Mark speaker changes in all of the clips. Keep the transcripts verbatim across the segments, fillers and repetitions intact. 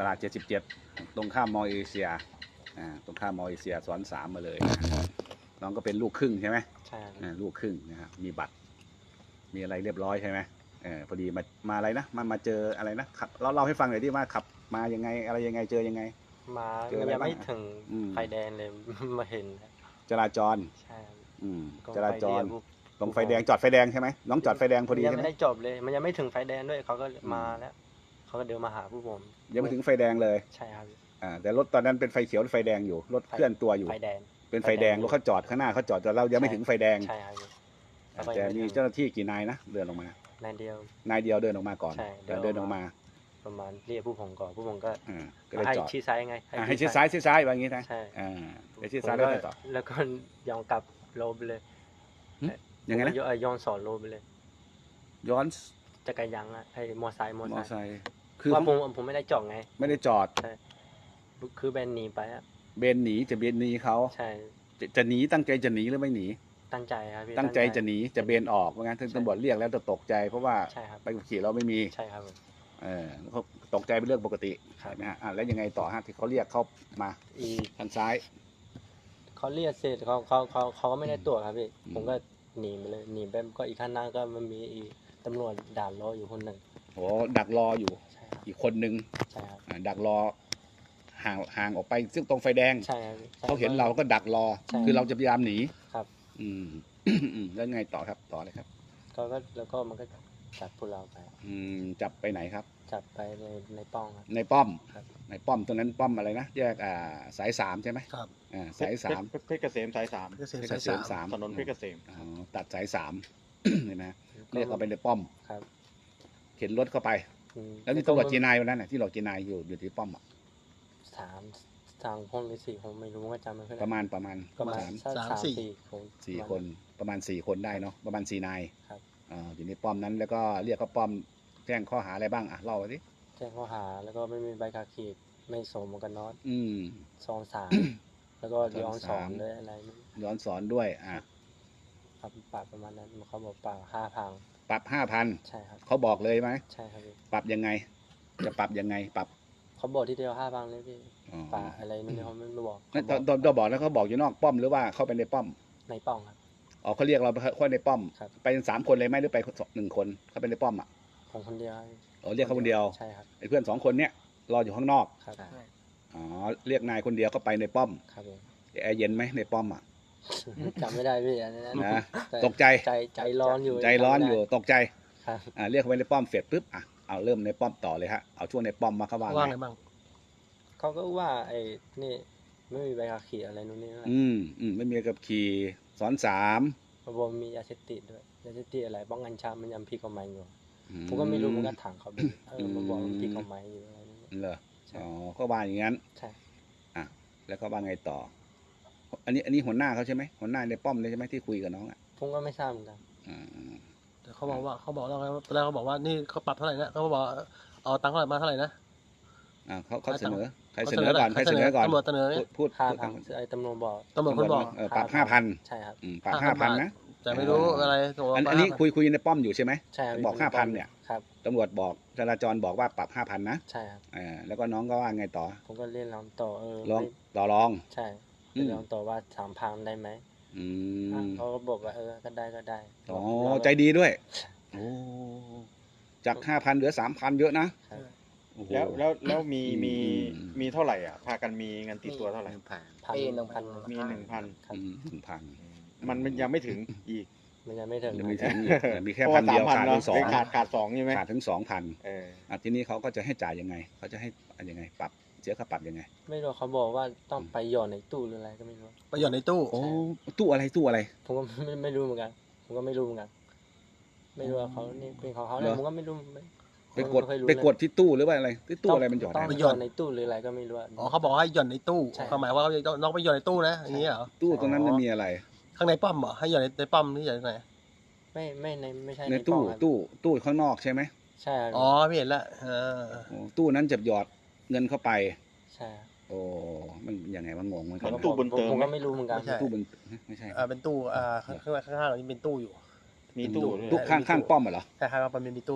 Speaker 1: ลาดเจ็ดสิบเจ็ดตรงข้ามมอเอเชียอ่าตรงข้ามมอเอเชียซ้อนสามมาเลยน้องก็เป็นลูกครึ่งใช่ไหม
Speaker 2: ใช่
Speaker 1: อ่าลูกครึ่งนะครับมีบัตรมีอะไรเรียบร้อยใช่ไหมเออพอดีมามาอะไรนะมามาเจออะไรนะขับเราเล่าให้ฟังหน่อยที่ว่าขับมายังไงอะไรยังไงเจอยังไง
Speaker 2: มา
Speaker 1: เจออะไร
Speaker 2: ยังไม่
Speaker 1: บ้าง
Speaker 2: ถึง
Speaker 1: อืม
Speaker 2: ไฟแดงเลย มาเห็น
Speaker 1: จราจร
Speaker 2: ใช่ครับ
Speaker 1: อืม
Speaker 2: ก็
Speaker 1: จราจร
Speaker 2: ไฟเดียว
Speaker 1: ตรงไฟแดงจอดไฟแดงใช่ไหมน้องจอดไฟแดงพอดี
Speaker 2: ยัง
Speaker 1: ใช่ไหม
Speaker 2: ไม่ได้จบเลย มันยังไม่ถึงไฟแดงด้วยเขาก็
Speaker 1: อืม
Speaker 2: มาแล้วเขาก็เดินมาหาผู้ผม
Speaker 1: ยังไม่ถึงไฟแดงเลย
Speaker 2: ใช่ครับ
Speaker 1: อ่าแต่รถตอนนั้นเป็นไฟเขียวหรือไฟแดงอยู่รถเคลื่อนตัวอยู่
Speaker 2: ไฟแดง
Speaker 1: เป็นไฟแดงรถเขาจอดข้างหน้าเขาจอดแต่เรายังไม่ถึงไฟแดง
Speaker 2: ใช่ครับ
Speaker 1: อ่าแต่มีเจ้าหน้าที่กี่นายนะเดินออกมาน
Speaker 2: ายเดียว
Speaker 1: นายเดียวเดินออกมาก่อน
Speaker 2: ใช่
Speaker 1: แต่เดินออกมา
Speaker 2: ประมาณเรียกผู้ผมก่อนผู้ผมก็
Speaker 1: อ่าก็เลย
Speaker 2: ให้
Speaker 1: จอด
Speaker 2: ชี้ซ้ายไง
Speaker 1: อ่าให้ชิดซ้ายชิดซ้ายแบบนี้นะ
Speaker 2: ใช่
Speaker 1: อ่าให้ชิดซ้ายแล้วไงต่อ
Speaker 2: แล้วก็ยองกลับโลไปเลย
Speaker 1: ยังไงนะ
Speaker 2: ผมก็ย้อนสอนโลไปเลย
Speaker 1: ย้อน
Speaker 2: จักรยานอะไอ้มอไซค์มอ
Speaker 1: มอ
Speaker 2: ไซ
Speaker 1: ไซ
Speaker 2: ค์
Speaker 1: ค์คือ
Speaker 2: ว่าผมผมไม่ได้จอดไง
Speaker 1: ไม่ได้จอด
Speaker 2: คือแบนหนีไปอะ
Speaker 1: เบนหนีจะเบนหนีเขา
Speaker 2: ใช่
Speaker 1: จะจะหนีตั้งใจจะหนีหรือไม่หนี
Speaker 2: ตั้งใจครับพี่
Speaker 1: ตั้งใจจะหนีจะเบนออกเพราะงั้นถึงตำรวจเรียกแล้วจะตกใจเพราะว่า
Speaker 2: ใช่ครับ
Speaker 1: ใบขับขี่เราไม่มี
Speaker 2: ใช่ครับผม
Speaker 1: เออเขาตกใจเป็นเรื่องปกติ
Speaker 2: ครับ
Speaker 1: ใช่ไหมฮะอ่ะแล้วยังไงต่อฮะที่เขาเรียกเขามา
Speaker 2: อี
Speaker 1: ทางซ้าย
Speaker 2: เขาเรียกเสร็จเขาเขาเขาเขาก็ไม่ได้ตรวจครับพี่
Speaker 1: อืม
Speaker 2: ผมก็หนีไปเลยหนีไปก็อีกข้างหน้าก็มันมีอีตำรวจด่านรออยู่คนหนึ่ง
Speaker 1: โอ้ดักรออยู่
Speaker 2: ใช่ครับ
Speaker 1: อีกคนนึง
Speaker 2: ใช่ครับ
Speaker 1: อ่าดักรอห่างห่างออกไปซึ่งตรงไฟแดง
Speaker 2: ใช่ครับใช่
Speaker 1: เขาเห็นเราก็ดักรอ
Speaker 2: ใช่
Speaker 1: คือเราจะพยายามหนี
Speaker 2: ครับ
Speaker 1: อืม อืมแล้วไงต่อครับต่อเลยครับ
Speaker 2: เขาก็แล้วก็มันก็จับพวกเราไป
Speaker 1: อืมจับไปไหนครับ
Speaker 2: จับไปในในป้องครับ
Speaker 1: ในป้อม
Speaker 2: ครับ
Speaker 1: ในป้อมตรงนั้นป้อมอะไรนะแยกอ่าสายสามใช่ไหม
Speaker 3: ครับ
Speaker 1: อ่าสายสาม
Speaker 4: เพชรเพชรเกษมสายสาม
Speaker 3: เกษม
Speaker 1: เพชร
Speaker 3: สาย
Speaker 1: เกษ
Speaker 3: สาม
Speaker 1: มสาม
Speaker 4: ถนนเพชรเกษม
Speaker 1: อ๋อตัดสายสาม เห็นไหมเรียกเราไปในป้อม
Speaker 2: ครับ
Speaker 1: เข็นรถเข้าไป
Speaker 2: อืม
Speaker 1: แล้วนี่ตำรวจกี่นายวันนั้นน่ะที่เรากี่นายอยู่อยู่ที่ป้อมอ่ะ
Speaker 2: สามสามคนหรือสี่คนไม่รู้ว่าจำไม่ค่อย
Speaker 1: ป
Speaker 2: ได้
Speaker 1: ระมาณประมาณ
Speaker 2: ประมาณ
Speaker 1: สาม
Speaker 2: สักสามสี่คน
Speaker 1: สี่คนประมาณสี่คนได้เนาะประมาณสี่นาย
Speaker 2: ครับ
Speaker 1: อ่าอยู่ในป้อมนั้นแล้วก็เรียกเขาป้อมแจ้งข้อหาอะไรบ้างอ่ะเล่าไปดิ
Speaker 2: แจ้งข้อหาแล้วก็ไม่มีใบขับขี่ไม่สวมหมวกกันน็อต
Speaker 1: อืม
Speaker 2: ซองสามแล้วก็ย้อนสอน
Speaker 1: สาม
Speaker 2: ด้วยอะไรไม่รู้
Speaker 1: ย้อนสอนด้วยอ่ะ
Speaker 2: ครับปรับประมาณนั้นเขาบอกปรับห้าพัง
Speaker 1: ปรับห้าพัน
Speaker 2: ใช่ครับ
Speaker 1: เขาบอกเลยไหม
Speaker 2: ใช่ครับพี่
Speaker 1: ปรับยังไง จะปรับยังไงปรับ
Speaker 2: เขาบอกที่เดียวห้าพังเลยพี่
Speaker 1: อ๋อ
Speaker 2: ปรับอะไรนู่นนี่เขาไม่ไม่บอก
Speaker 1: นั่นต
Speaker 2: เขา
Speaker 1: อน
Speaker 2: บ
Speaker 1: ตอนเราบอกแล้วเขาบอกอยู่นอกป้อมหรือว่าเข้าไปในป้อม
Speaker 2: ในป้องครับ
Speaker 1: อ๋อเขาเรียกเราไปเข้าในป้อม
Speaker 2: ครับ
Speaker 1: ไปกันสามคนเลยไหมหรือไปหนึ่งคนเข้าไปในป้อมอ่ะ
Speaker 2: ของคนเดียวครับ
Speaker 1: อ๋อเรียกเขาคนเดียว
Speaker 2: ใช่ครับ
Speaker 1: ไอ้เพื่อนสองคนเนี้ยรออยู่ข้างนอก
Speaker 2: ครับ
Speaker 1: อ๋อเรียกนายคนเดียวเข้าไปในป้อม
Speaker 2: ครับผม
Speaker 1: แอร์เย็นไหมในป้อมอ่ะ
Speaker 2: จำไม่ได้พี่อันนั้น
Speaker 1: นะ
Speaker 2: แต่
Speaker 1: ตกใจ
Speaker 2: ใจใจร้อนอยู่
Speaker 1: ใจร้อนอยู่ตกใจ
Speaker 2: ครับ
Speaker 1: อ่าเรียกเขาไปในป้อมเสร็จปุ๊บอ่ะเอาเริ่มในป้อมต่อเลยฮะเอาช่วงในป้อมมาเขาว่า
Speaker 3: ว่า
Speaker 1: ไง
Speaker 3: ไงบ้าง
Speaker 2: เขาก็ว่าไอ้นี่ไม่มีใบขับขี่อะไรนู่นนี่นั่น
Speaker 1: อืมอืมไม่มีกับขี่สอนสาม
Speaker 2: เขาบอกมียาเสพติดด้วยยาเสพติดอะไรป้องกันชามันยังผิดกฎหมายอยู่
Speaker 1: อื
Speaker 2: ผมก็ไม่รู้เหมือนกันถามเขาดูเออมาบอกมันผิดกฎหมายอยู่อะไรนู่นนี่
Speaker 1: เหรอ
Speaker 2: ใช่
Speaker 1: อ๋อเขาว่าอย่างนั้น
Speaker 2: ใช่
Speaker 1: อ่ะแล้วเขาว่าไงต่อ อันนี้อันนี้หัวหน้าเขาใช่ไหมหัวหน้าในป้อมเลยใช่ไหมที่คุยกับน้องอ่ะ
Speaker 2: ผมก็ไม่ทราบเหมือนกัน
Speaker 1: อ่า
Speaker 3: แต่เขาบอกว่าเขาบอกเราไงว่าตอนแรกเขาบอกว่านี่เขาปรับเท่าไหร่นะเขาบอกเอาตังค์เท่าไหร่มาเท่าไหร่นะ
Speaker 1: อ่าเขาเขาเสนอใคร
Speaker 3: ขา
Speaker 1: เสนอก่อนใครเสนอก่อน
Speaker 3: ตำรวจเสนอ
Speaker 1: พู
Speaker 3: เนี่ย
Speaker 1: ดพูด
Speaker 2: ห้า
Speaker 1: พูด
Speaker 2: พันไอ้ตำรวจบอก
Speaker 3: ตำรวจคนบอก
Speaker 1: เออปรับห้าพัน
Speaker 2: ใช่ครับ
Speaker 1: ปรับห้าพันนะ
Speaker 3: แต่ไม่รู้อะไรตัว
Speaker 1: อันอันนี้คุยคุยในป้อมอยู่ใช่ไหม
Speaker 2: ใช่ครับ
Speaker 1: บอกห้าพันเนี่ย
Speaker 2: ครับ
Speaker 1: ตำรวจบอกจราจรบอกว่าปรับห้าพันนะ
Speaker 2: ใช่ครับ
Speaker 1: อ่าแล้วก็น้องก็ว่าไงต่อ
Speaker 2: ผมก็เรียนร้องต่อเออ
Speaker 1: ลอง
Speaker 2: ไม่
Speaker 1: ต่อรอง
Speaker 2: ใช่
Speaker 1: อืม
Speaker 2: เรียนร้องต่อว่าสามพันได้ไหม
Speaker 1: อื
Speaker 2: อ่ะ
Speaker 1: ม
Speaker 2: เขาก็บอกว่าเออก็ได้ก็ได้
Speaker 1: อ๋อ
Speaker 2: เรา
Speaker 1: ใจดีด้วยโอ้จากห้าพันเหลือสามพันเยอะนะครับ โอ้โห
Speaker 4: แล้วแล้วแล้วมี
Speaker 1: อืม
Speaker 4: มี
Speaker 1: อืม
Speaker 4: มีเท่าไหร่อ่ะ พากันมีเงินติดตัวเท่าไหร่
Speaker 2: พันหนึ่งพัน
Speaker 4: มีหนึ่งพัน
Speaker 2: ครับ
Speaker 1: อืมหนึ่งพัน
Speaker 4: มันมันยังไม่ถึงอีก
Speaker 2: มันยังไม่ถึง
Speaker 1: ยังไม่ถึงอีกมีแค่
Speaker 4: เพราะ
Speaker 1: พั
Speaker 4: ว่าน
Speaker 1: เดียว
Speaker 4: สามพัน
Speaker 1: ขาด
Speaker 4: เนาะ
Speaker 1: ถึงสอง
Speaker 4: ขาดขาดสองใช่ไหม
Speaker 1: ขาดถึงสองพัน
Speaker 4: เออ
Speaker 1: อ่ะทีนี้เขาก็จะให้จ่ายยังไง เขาจะให้อะไรยังไง ปรับเสียค่าปรับยังไง
Speaker 2: ไม่รู้เขาบอกว่าต้องไปหย่อนในตู้หรืออะไรก็ไม่รู้
Speaker 3: ไปหย่อนในตู้
Speaker 1: โอ้ตู้อะไรตู้อะไร
Speaker 2: ผมก็ไม่ไม่รู้เหมือนกัน ผมก็ไม่รู้เหมือนกัน ไม่รู้ว่าเขานี่เป็นของเขาเนี่ย
Speaker 1: เหรอ
Speaker 2: ผมก็ไม่รู้ไม่
Speaker 1: ไปกด
Speaker 2: ม่เคยรู้
Speaker 1: ไปกดที่ตู้หรือว่าอะไรที่ตู้อะไรมันหยอด
Speaker 2: ต้อง
Speaker 1: ได้
Speaker 2: หย่อนในตู้หรืออะไรก็ไม่รู้อะ
Speaker 3: อ๋อเขาบอกให้หย่อนในตู้
Speaker 2: ใช่
Speaker 3: เขาหมายว่าน้องไปหย่อนในตู้นะอย่างนี้เหรอ
Speaker 1: ตู้ตรงนั้นมันมีอะไร
Speaker 3: ข้างในป้อมเหรอให้หย่อนในในป้อมนี่หย่อนไหน
Speaker 2: ไม่ไม่ในไม่ใช่
Speaker 1: ใน
Speaker 2: ใน
Speaker 1: ตู้
Speaker 2: กล่องครับ
Speaker 1: ตู้ตู้ข้างนอกใช่ไหม
Speaker 2: ใช่ครับ
Speaker 3: อ๋อไม่เห็นละเออ
Speaker 1: โอ้ตู้นั้นจะหยอดเงินเข้าไป
Speaker 2: ใช่ครับ
Speaker 1: โอ้มันยังไงวะงงมัน
Speaker 4: เหมือน
Speaker 1: ก็
Speaker 4: ตู้บนเติม
Speaker 2: ผม
Speaker 4: ไหม
Speaker 2: ก็ไม่รู้เหมือนกัน
Speaker 1: ตู้บนไม่ใช่
Speaker 3: อ่าเป็นตู้อ่าข้างข้างข้างๆเรานี่เป็นตู้อยู่
Speaker 4: มีตู้ด้วย
Speaker 1: ตู้ข้างข้างป้อมเหรอ
Speaker 3: คล้ายๆว่ามันมีตู้อยู่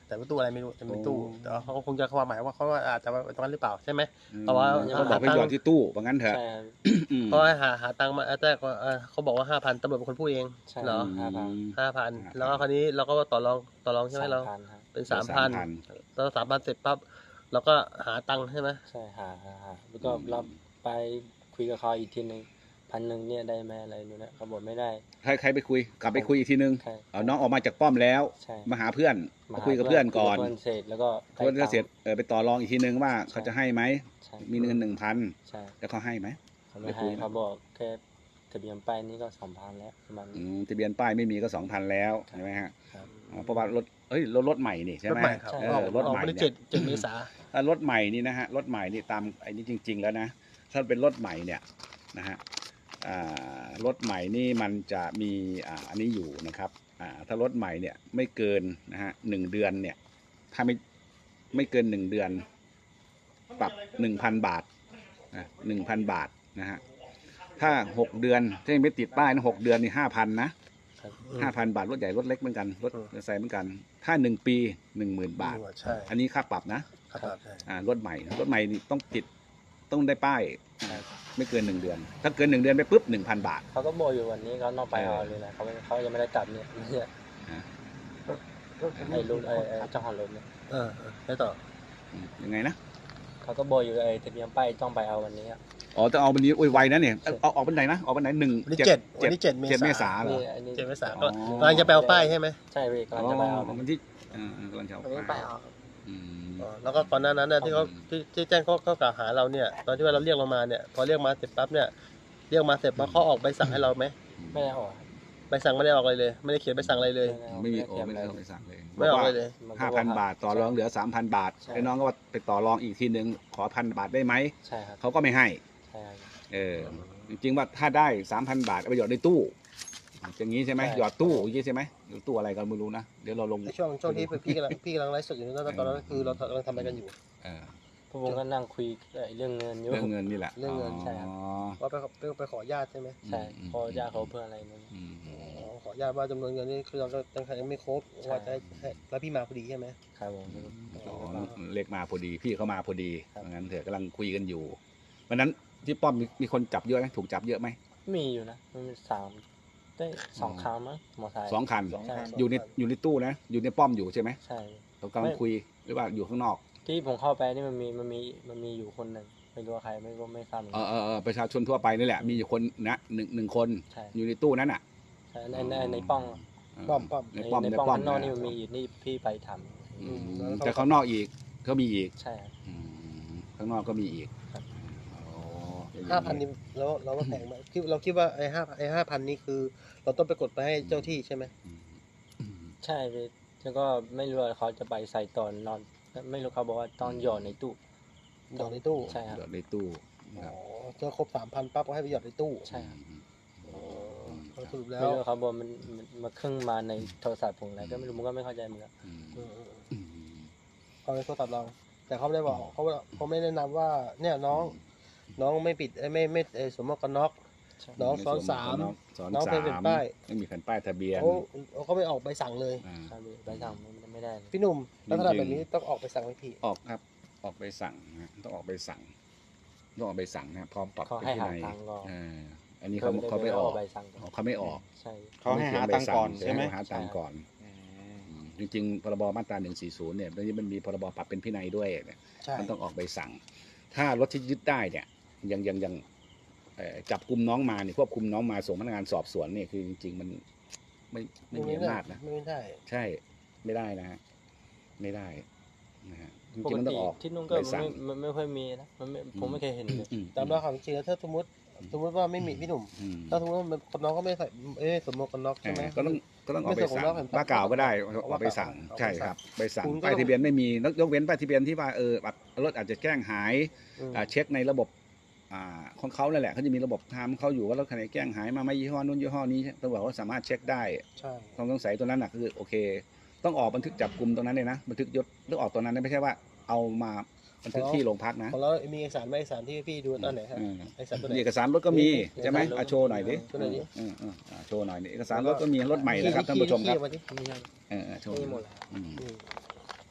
Speaker 3: แต่เป็นตู้อะไรไม่รู้แต่เป็นตู้แต่ว่าเขาก็คงจะความหมายว่าเขาอาจจะตรงนั้นหรือเปล่าใช่ไหม
Speaker 1: อืม
Speaker 3: เพราะว่า
Speaker 1: เขาบอกให้หยอดที่ตู้ว่างั้นเถอะ
Speaker 2: ใช่ครับ
Speaker 1: อืม
Speaker 3: เพราะว่าหาหาตังค์มาแต่ก็เอ่อเขาบอกว่าห้าพันตำรวจเป็นคนพูดเอง
Speaker 2: ใช่
Speaker 3: เหรอ
Speaker 2: ห้าพัน
Speaker 3: ห้าพัน
Speaker 1: ห้าพัน
Speaker 3: แล้วก็คราวนี้เราก็ต่อรองต่อรองใช่ไหมเรา
Speaker 2: สามพันครับ
Speaker 3: เป็นสามพันแล้วสามพันเสร็จปั๊บเราก็หาตังค์ใช่ไหม
Speaker 2: ใช่หาหาหาแล้วก็รับไปคุยกับเขาอีกทีหนึ่งพันหนึ่งเนี่ยได้ไหมอะไรนู่นนะเขาบอกไม่ได้
Speaker 1: ใครใครไปคุยกลับไปคุยอีกทีนึง
Speaker 2: ใช่
Speaker 1: เอาน้องออกมาจากป้อมแล้ว
Speaker 2: ใช่
Speaker 1: มาหาเพื่อน
Speaker 2: มา
Speaker 1: มาคุยกับเพื่อนก่อน
Speaker 2: คุยบเพื่อนเสร็จแล้วก็ได้
Speaker 1: เพื่อนก็
Speaker 2: ตังค์
Speaker 1: เสร็จเออไปต่อรองอีกทีนึงว่าเขาจะให้ไหม
Speaker 2: ใช่
Speaker 1: มีเงินหนึ่งพัน
Speaker 2: ใช่
Speaker 1: แล้วเขาให้ไหม
Speaker 2: เขาไม่
Speaker 1: ไปคุ
Speaker 2: ให้
Speaker 1: ย
Speaker 2: เขาบอกแค่ทะเบียนป้ายนี่ก็สองพันแล้วประมาณ
Speaker 1: อื
Speaker 2: นี้
Speaker 1: มทะเบียนป้ายไม่มีก็สองพันแล้ว
Speaker 2: ครับ
Speaker 1: ใช่ไหมฮะ
Speaker 2: ครับ
Speaker 1: อ๋อเพราะว่ารถเอ้ยรถรถใหม่นี่ใช่
Speaker 3: รถ
Speaker 1: ไหม
Speaker 3: ใหม่ครับ
Speaker 2: ใช่
Speaker 1: เอ
Speaker 3: ออก
Speaker 1: อรถ
Speaker 3: ออก
Speaker 1: ใหม่
Speaker 3: มาได้
Speaker 1: เนี่
Speaker 3: เจ็
Speaker 1: ย
Speaker 3: ดเจ็ดเมษา
Speaker 1: ถ้ารถใหม่นี่นะฮะรถใหม่นี่ตามไอ้นี่จริง ๆ แล้วนะถ้าเป็นรถใหม่เนี่ยนะฮะอ่ารถใหม่นี่มันจะมีอ่าอันนี้อยู่นะครับอ่าถ้ารถใหม่เนี่ยไม่เกินนะฮะหนึ่งเดือนเนี่ยถ้าไม่ไม่เกินหนึ่งเดือนปรับหนึ่งพันบาทนะหนึ่งพันบาทนะฮะถ้าหกเดือนถ้ายังไม่ติดป้ายนะหกเดือนนี่ห้าพันนะครับ ห้าพันบาทรถใหญ่รถเล็กเหมือนกันรถ
Speaker 3: อืม
Speaker 1: ใส่เหมือนกัน ถ้าหนึ่งปีหนึ่งหมื่นบาท
Speaker 3: ใช่
Speaker 1: อันนี้ค่าปรับนะ
Speaker 3: ครับใช่
Speaker 1: อ่ารถใหม่รถใหม่นี่ต้องติดต้องได้ป้าย
Speaker 2: ใช่
Speaker 1: ไม่เกินหนึ่งเดือน ถ้าเกินหนึ่งเดือนไปปุ๊บหนึ่งพันบาท
Speaker 2: เขาก็บอกอยู่วันนี้เขานอกไปเอาเลยนะเขาไม่เขายังไม่ได้กลับเนี่ยเนี่ย
Speaker 1: ฮะ
Speaker 2: ไอ้รุ่นไอ้ไอ้เจ้าของรถเนี่ย
Speaker 3: เออเออแล้วต่อ
Speaker 1: อืมยังไงนะ
Speaker 2: เขาก็บอกอยู่ไอ้ทะเบียนป้ายต้องไปเอาวันนี้อะ
Speaker 1: อ๋อจะเอาวันนี้โอ้ยไวนะเนี่ยเอาเอาออกวันไหนนะออกวันไหนหนึ่ง
Speaker 3: วันที่เจ็ดวันที่เจ็ดเม
Speaker 1: เจ็ดเมษา
Speaker 3: ษา
Speaker 1: เหรอ
Speaker 2: นี่อันนี้
Speaker 3: เจ็ดเมษา
Speaker 1: อ๋
Speaker 3: ก็
Speaker 1: อ
Speaker 3: กำลังจะไปเอาป้ายใช่ไหม
Speaker 2: ใช่พี่กำลัง
Speaker 1: อ๋อ
Speaker 2: จะไปเอา
Speaker 1: วันที่เออเออกำลังจะเอา
Speaker 2: วันนี้ไปเอา
Speaker 1: อืม
Speaker 3: อ๋อแล้วก็ก่อนหน้านั้นเนี่ยที่เขาที่ที่แจ้งข้อข้อกล่าวหาเราเนี่ยตอนที่ว่าเราเรียกเรามาเนี่ยพอเรียกมาเสร็จปั๊บเนี่ยเรียกมาเสร็จปั๊บเขาออกใบสั่งให้เราไหม
Speaker 2: ไม่ได้ออก
Speaker 3: ใบสั่งไม่ได้ออกอะไรเลย ไม่ได้เขียนใบสั่งอะไรเลย
Speaker 1: ไม่มีโอ้
Speaker 2: เขียน
Speaker 1: ไม่ได้
Speaker 2: เลย
Speaker 1: เอาไปสั่งเลย
Speaker 3: ไม่ออกอะไรเลย
Speaker 1: ห้าพันบาทต่อรองเหลือสามพันบาท
Speaker 2: ใช่
Speaker 1: ไอ้น้องก็ว่าไปต่อรองอีกทีนึงขอพันบาทได้ไหม
Speaker 2: ใช่ครับ
Speaker 1: เขาก็ไม่ให้
Speaker 2: ใช่ครับ
Speaker 1: เออจริงๆว่าถ้าได้สามพันบาทเอาไปหยอดในตู้อย่างนี้ใช่ไหมหยอดตู้อย่างนี้ใช่ไหมหรือตู้อะไรก็ไม่รู้นะเดี๋ยวเราลง
Speaker 3: ในช่วงช่วงที่พี่กำลังพี่กำลังไลฟ์สดอยู่นั่นตอนนั้นคือเรากำลังทำอะไรกันอยู่
Speaker 1: เออ
Speaker 2: พวกผมก็นั่งคุยไอ้เรื่องเงินอยู่
Speaker 1: เรื่องเงินนี่แหละ
Speaker 3: เรื่องเงิน
Speaker 2: ใช่ครับ
Speaker 1: อ๋อ
Speaker 3: ว่าไปไปไปขอญาติใช่ไหม
Speaker 2: ใช่พอยาเขาเพื่ออะไรนั่น
Speaker 1: อืม
Speaker 3: อ๋อขอญาติว่าจำนวนเงินนี่คือเรายังไม่ครบว่าจะให้แล้วพี่มาพอดีใช่ไหม
Speaker 2: ครับผม
Speaker 1: อ๋อเลขมาพอดีพี่เขามาพอดี
Speaker 2: ครับ
Speaker 1: งั้นเถอะกำลังคุยกันอยู่วันนั้นที่ป้อมมีมีคนจับเยอะไหมถูกจับเยอะไหม
Speaker 2: มีอยู่นะมันมีสามได้สองครั้งมั้งมอไซค์
Speaker 1: สองคัน
Speaker 2: ใช่
Speaker 1: อยู่ในอยู่ในตู้นะอยู่ในป้อมอยู่ใช่ไหม
Speaker 2: ใช่
Speaker 1: เรากำลังคุยหรือว่าอยู่ข้างนอก
Speaker 2: ที่ผมเข้าไปนี่มันมีมันมีมันมีอยู่คนหนึ่งไม่รู้ว่าใครไม่รู้ไม่ทราบเหมือน
Speaker 1: เอ
Speaker 2: กั
Speaker 1: อน เออเออประชาชนทั่วไปนี่แหละมีอยู่คนนะหนึ่งหนึ่งคน
Speaker 2: ใช่
Speaker 1: อยู่ในตู้นั้นอ่ะ
Speaker 2: ใช่ในในในป้อง
Speaker 3: ป้อมป้อม
Speaker 1: ในป้อม
Speaker 2: ใน
Speaker 1: ใน
Speaker 2: ป้อง
Speaker 1: ป้อม
Speaker 2: ข้างนอก
Speaker 1: ะ
Speaker 2: นี่มันมีอีกนี่พี่ไปทำ
Speaker 1: อืม
Speaker 3: แล้วเขา
Speaker 1: แต่ข้างนอกอีกก็มีอีก
Speaker 2: ใช่ครับ
Speaker 1: อืมข้างนอกก็มีอีก
Speaker 2: ครับ
Speaker 1: อ๋อ
Speaker 3: ห้าพันนี่แล้วเราว่าแพงไหมคิดเราคิดว่าไอ้ห้าไอ้ห้าพันนี่คือ เราต้องไปกดไปให้เจ้าที่ใช่ไหม
Speaker 1: อืมอืม
Speaker 2: ใช่พี่แล้วก็ไม่รู้ว่าเขาจะไปใส่ตอนนอน ไม่รู้เขาบอกว่าตอนหย่อนในตู้
Speaker 3: หยอดในตู้
Speaker 2: ใช่ครับ
Speaker 1: เดี๋ยวในตู้
Speaker 3: อ๋
Speaker 1: ครับ
Speaker 3: อเจอครบสามพันปั๊บก็ให้ไปหยอดในตู้
Speaker 2: ใช่ครับ
Speaker 3: อ๋อสรุปแล้
Speaker 2: ไม่
Speaker 3: ว
Speaker 2: รู้เขาบอกมันมันมาครึ่งมาในโทรศัพท์ผมอะไรก็ไม่รู้มันก็ไม่เข้าใจเหมือนกัน
Speaker 1: อืม
Speaker 3: เออเออ
Speaker 1: อืม
Speaker 3: เขาในโทรศัพท์เรา แต่เขาไม่ได้บอกเขาเขาไม่แนะนำว่าเนี่ยน้องน้องไม่ปิดเอ้ยไม่ไม่เอ่อสวมหมวกกันน็อก
Speaker 2: ใช่
Speaker 3: น้องซ้อนสาม
Speaker 1: ซ้อน
Speaker 3: น้อง
Speaker 1: สา
Speaker 3: เป็นเป็น
Speaker 1: ม
Speaker 3: ป้าย
Speaker 1: ไม่มีแผ่นป้ายทะเบียน
Speaker 3: เขาเขาไม่ออกใบสั่งเลย
Speaker 1: อ่า
Speaker 2: ใช่พี่ใบสั่งมันไม่ได้เลย
Speaker 3: พี่หนุ่มลักษณะ
Speaker 1: จริงๆ
Speaker 3: แบบนี้ต้องออกใบสั่งไหมพี่
Speaker 1: ออกครับ ออกใบสั่งนะต้องออกใบสั่งต้องออกใบสั่งนะพร้อมปรับ
Speaker 2: เขา
Speaker 1: เป็น
Speaker 2: ให้
Speaker 1: ที่
Speaker 2: หา
Speaker 1: ใน
Speaker 2: ทางรอ
Speaker 1: อ่าอันนี้เขาเขาไม่ออก
Speaker 2: ใบสั่ง
Speaker 1: เขาไม่ออก
Speaker 2: ใช่
Speaker 4: เขาให้หาตังค์ก่อนใช่ไหม
Speaker 1: เขาหาตังค์ก่อน
Speaker 4: อืม
Speaker 1: อืมจริงๆพรบมาตราหนึ่งสี่ศูนย์เนี่ยตอนนี้มันมีพรบปรับเป็นพินัยด้วยเนี่ย
Speaker 3: ใช่
Speaker 1: มันต้องออกใบสั่ง ถ้ารถที่ยึดได้เนี่ยยังยังยังเอ่อจับกลุ่มน้องมาเนี่ยควบคุมน้องมาส่งพนักงานสอบสวนเนี่ยคือจริงๆมันไม่ไม่มีอำนาจนะ
Speaker 3: ไม่ได้
Speaker 1: ใช่ไม่ได้นะฮะไม่ได้นะฮะจ
Speaker 2: ป
Speaker 1: ริงๆ
Speaker 2: ก
Speaker 1: มันต้อ
Speaker 2: ติ
Speaker 1: งออก
Speaker 2: ที่นุ่งก็
Speaker 1: ใบ
Speaker 2: มัน
Speaker 1: สั่ง
Speaker 2: ไม่มันไม่ค่อยมีนะมันไม่ผมไม่เคยเห็นเลย
Speaker 1: อืม
Speaker 3: ตามเราความจริงแล้วถ้าสมมติสมมติว่าไม่มีพี่หนุ่ม
Speaker 1: อืม
Speaker 3: ถ้าสมมติว่ามันคนน้องก็ไม่ใส่เอ้ยสวมหมวกกันน็อก
Speaker 1: เอ
Speaker 3: ใช่ไหม
Speaker 1: อก็ต้องก็ต้องออก
Speaker 3: ไม่
Speaker 1: ใบ
Speaker 3: ใส่ของ
Speaker 1: สั่ง
Speaker 3: เราแผ่น
Speaker 1: ป้ายเก่าก็ได้
Speaker 3: เอา
Speaker 1: ออกใบสั่ง
Speaker 3: เอาใบสั่ง
Speaker 1: ใช่ครับใบสั่ง
Speaker 3: คุณก็
Speaker 1: ป้ายทะเบียนไม่มียกเว้นป้ายทะเบียนที่ว่าเออแบบรถอาจจะแจ้งหาย
Speaker 3: อืม
Speaker 1: อ่าเช็คในระบบอ่าของเขานั่นแหละเขาจะมีระบบทำเขาอยู่ว่ารถคันไหนแจ้งหายมาไม่ยี่ห้อนู้นยี่ห้อนี้ตำรวจเขาสามารถเช็คได้
Speaker 3: ใช่
Speaker 1: ความสงสัยตัวนั้นน่ะคือโอเค ต้องออกบันทึกจับกลุ่มตรงนั้นเลยนะบันทึกยศต้องออกตรงนั้นนะไม่ใช่ว่าเอามาบันทึกที่โรงพักนะ
Speaker 3: ของเรามีเอกสารไหมเอกสารที่พี่ดูตอนไหนครับ
Speaker 1: อืม
Speaker 3: เอกสารตัวไหน
Speaker 1: เอกสารรถก็มีใช่ไหม
Speaker 2: เอกสารรถ
Speaker 1: อ่ะโชว์หน่อยดิ
Speaker 3: โชว์หน่อยดิ
Speaker 1: เออเอออ่ะโชว์หน่อยนี่เอกสารรถก็มีรถใหม่นะครับท่านผู้ชมครับ
Speaker 3: ขี้ออกมาดิ
Speaker 2: ไม่ใช่
Speaker 1: เออเออโชว์
Speaker 2: มีหมดเลย
Speaker 1: อืม
Speaker 3: อืม